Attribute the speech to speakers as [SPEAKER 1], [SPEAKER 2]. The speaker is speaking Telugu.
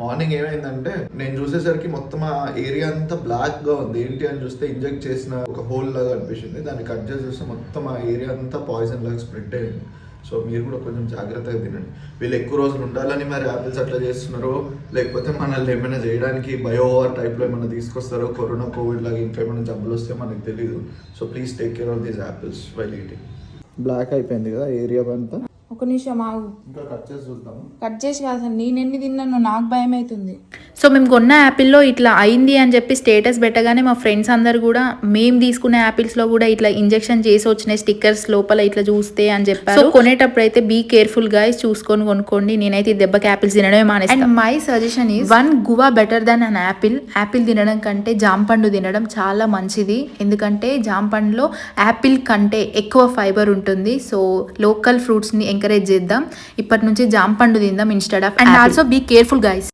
[SPEAKER 1] మార్నింగ్ ఏమైందంటే నేను చూసేసరికి మొత్తం ఆ ఏరియా అంతా బ్లాక్ గా ఉంది. ఏంటి అని చూస్తే ఇంజెక్ట్ చేసిన ఒక హోల్ లాగా అనిపించింది. దాన్ని కట్ చేసి చూస్తే మొత్తం ఆ ఏరియా అంతా పాయిజన్ లాగా స్ప్రెడ్ అయింది. సో మీరు కూడా కొంచెం జాగ్రత్తగా తినండి. వీళ్ళు ఎక్కువ రోజులు ఉండాలని మరి యాపిల్స్ అట్లా చేస్తున్నారో, లేకపోతే మనల్ని ఏమైనా చేయడానికి బయోవార్ టైప్లో ఏమైనా తీసుకొస్తారో, కరోనా కోవిడ్ లాగా ఇంకేమైనా జబ్బులు వస్తే మనకు తెలియదు. So please take care of these apples while eating. Block అయిపోయింది కదా ఏరియా అంతా.
[SPEAKER 2] ఒక నిమిషం ఆగు,
[SPEAKER 1] ఇంకా కట్ చేసి చూద్దాము.
[SPEAKER 2] కట్ చేసి కాదు అసలు నేను ఎన్ని తిన్నాను నాకు భయం అవుతుంది.
[SPEAKER 3] సో మేము కొన్న యాపిల్లో ఇట్లా అయింది అని చెప్పి స్టేటస్ పెట్టగానే మా ఫ్రెండ్స్ అందరు కూడా మేము తీసుకున్న యాపిల్స్లో కూడా ఇట్లా ఇంజెక్షన్ చేసి వచ్చిన స్టిక్కర్స్ లోపల ఇట్లా చూస్తే అని చెప్పారు. సో కొనేటప్పుడు అయితే బీ కేర్ఫుల్ గైస్, చూసుకొని కొనుక్కోండి. నేనైతే ఈ దెబ్బకి యాపిల్స్ తినడమే మానేస్తాను. And my suggestion is one guava better than an apple. Apple తినడం కంటే జాంపండు తినడం చాలా మంచిది. ఎందుకంటే జాంపండులో యాపిల్ కంటే ఎక్కువ ఫైబర్ ఉంటుంది. సో లోకల్ ఫ్రూట్స్ని ఎంకరేజ్ చేద్దాం. ఇప్పటి నుంచి జాంపండు తిందాం instead of. And also be careful guys.